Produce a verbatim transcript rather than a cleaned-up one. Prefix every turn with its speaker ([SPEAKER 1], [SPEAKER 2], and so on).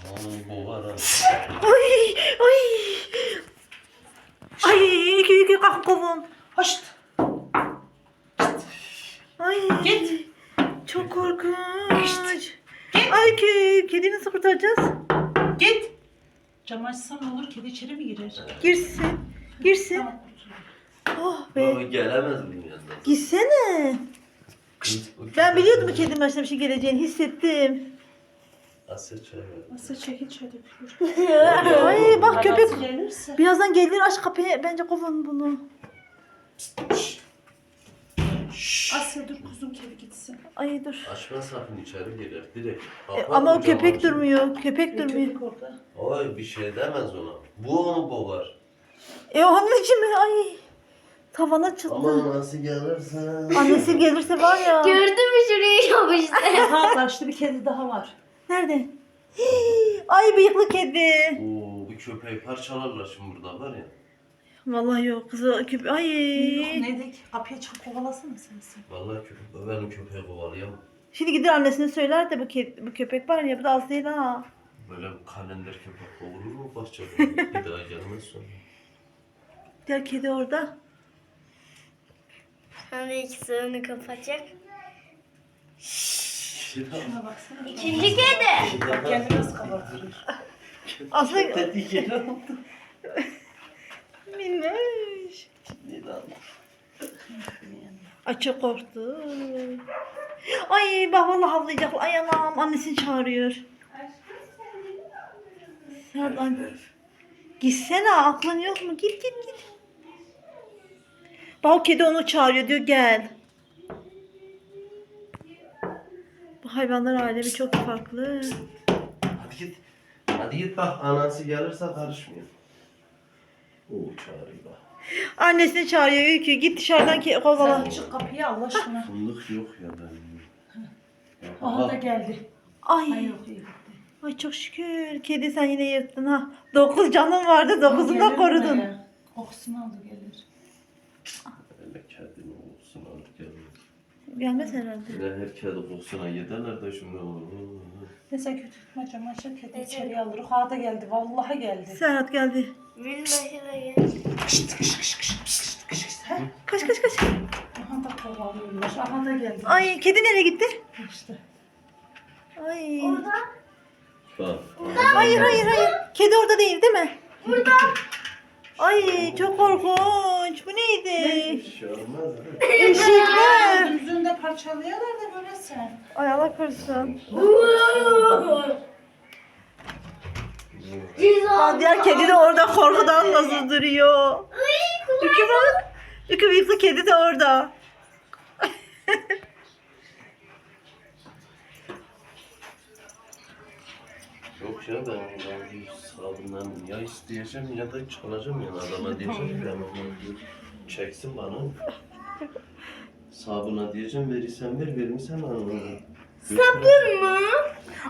[SPEAKER 1] Aman boğar ha.
[SPEAKER 2] Ay ay. Ay iki iki kalk kovun.
[SPEAKER 3] Hoşt.
[SPEAKER 2] Ay.
[SPEAKER 3] Git.
[SPEAKER 2] Çok korkunç.
[SPEAKER 3] Git.
[SPEAKER 2] Ay ki kediyi nasıl kurtaracağız?
[SPEAKER 3] Git. Cam açsam ne olur? Kedi içeri mi girer?
[SPEAKER 2] Girsin. Girsin.
[SPEAKER 3] Tamam, kurtuldum.
[SPEAKER 2] Oh
[SPEAKER 1] Baba
[SPEAKER 2] be.
[SPEAKER 1] gelemez bunun yanına.
[SPEAKER 2] Gitsene.
[SPEAKER 1] Kız, o
[SPEAKER 2] Ben
[SPEAKER 1] köpek-
[SPEAKER 2] biliyordum bu kedinin başına bir şey geleceğini hissettim.
[SPEAKER 1] Asya çay ver.
[SPEAKER 3] Nasıl çekil çay dökülür.
[SPEAKER 2] Ay bak köpek.
[SPEAKER 3] Babası gelirse.
[SPEAKER 2] Birazdan gelir aç kapıyı. Bence kovun bunu.
[SPEAKER 3] Asya dur kuzum, kedi gitsin.
[SPEAKER 2] Ay dur.
[SPEAKER 1] Açma sakın içeri girer direkt.
[SPEAKER 2] E,
[SPEAKER 1] Kapatın
[SPEAKER 2] ama o
[SPEAKER 1] camı
[SPEAKER 2] köpek
[SPEAKER 1] açın.
[SPEAKER 2] durmuyor. Köpek
[SPEAKER 3] E,
[SPEAKER 2] durmuyor.
[SPEAKER 3] köpek orada.
[SPEAKER 1] Ay bir şey demez ona. Bu onu boğar.
[SPEAKER 2] E onun için mi? Ay. Tavana çıktı.
[SPEAKER 1] Ama nasıl gelirse.
[SPEAKER 2] Annesi gelirse var ya.
[SPEAKER 4] Gördün mü şurayı yapıştı?
[SPEAKER 3] Ha karşıda bir kedi daha var.
[SPEAKER 2] Nerede? Hii, ay bıyıklı kedi.
[SPEAKER 1] Oo bu köpeği parçalarlar şimdi burada var ya.
[SPEAKER 2] Vallahi yok kızı köpek. Ay.
[SPEAKER 3] Yok neydi? Kapıya çıkıp kovalasana sen sen.
[SPEAKER 1] Vallahi köpek benim köpeği kovalayamam.
[SPEAKER 2] Şimdi gider annesine söyler de bu, kedi, bu köpek var ya bu da az değil ha.
[SPEAKER 1] Böyle bir kalender köpek kovulur mu bahçede? Bir daha gelmez sonra.
[SPEAKER 2] Diğer kedi orada.
[SPEAKER 4] Sonra ikisi onu kapatacak.
[SPEAKER 3] Şuna baksana.
[SPEAKER 4] İkinci kedi.
[SPEAKER 3] Bak kendini nasıl kabartıyor.
[SPEAKER 2] Aslında
[SPEAKER 1] Tetik yeri aldı.
[SPEAKER 2] minnoş.
[SPEAKER 1] Neydi aldı?
[SPEAKER 2] Ay çok korktu. Ay bak vallahi havlayacak. Ay anam annesini çağırıyor. Serhat an. Gitsene aklın yok mu? Git git git. Bak o kedi onu çağırıyor diyor gel. Bu hayvanlar alemi çok farklı.
[SPEAKER 1] Hadi git. Hadi git bak anası gelirse karışmıyor. Oo çağırıyor bak.
[SPEAKER 2] Annesini çağırıyor Öykü. Git dışarıdan ke- kovala.
[SPEAKER 3] Sen çık kapıya Allah aşkına.
[SPEAKER 1] Fındık yok ya ben.
[SPEAKER 3] Aha da geldi.
[SPEAKER 2] Ay.
[SPEAKER 3] Ay yok iyi gitti.
[SPEAKER 2] Ay çok şükür. Kedi sen yine yırttın ha. Dokuz canın vardı. Dokuzunu
[SPEAKER 3] Gelir
[SPEAKER 2] da korudun.
[SPEAKER 3] buraya. Kokusunu aldı gelir.
[SPEAKER 1] Öyle kedinin kokusuna alıp gelmiyor.
[SPEAKER 2] Gelmez herhalde.
[SPEAKER 1] Yine her kedi kokusuna giderler de şimdi.
[SPEAKER 3] Neyse kötü tutma cam aşağı kedi içeriye alır. Ha da geldi. Vallahi geldi.
[SPEAKER 2] Serhat geldi.
[SPEAKER 4] Minnoş'a da gel.
[SPEAKER 2] Kaç kaç kaç.
[SPEAKER 3] Aha da kovalıyorlar. Aha da geldi.
[SPEAKER 2] Ay kedi nereye gitti?
[SPEAKER 3] İşte.
[SPEAKER 2] Ay.
[SPEAKER 1] Bak.
[SPEAKER 2] Hayır hayır hayır. Kedi orada değil değil mi? Burada. Ay çok korkunç. Bu neydi?
[SPEAKER 1] Bir şey olmaz.
[SPEAKER 2] Eşekler.
[SPEAKER 3] Yüzünde parçalıyorlar da böyle sen.
[SPEAKER 2] Ay Allah korusun. Aa, diğer kedi de orada korkudan nasıl duruyor. Ükü bak. Ükü bıyıklı kedi de orada.
[SPEAKER 1] Yok ya ben, ben bir sabundan ya isteyeceğim ya da çalacağım ya adama diyeceğim ben onu diyor. Çeksin bana. Sabuna diyeceğim verirsen ver vermişsen bana.
[SPEAKER 4] Sabun mu?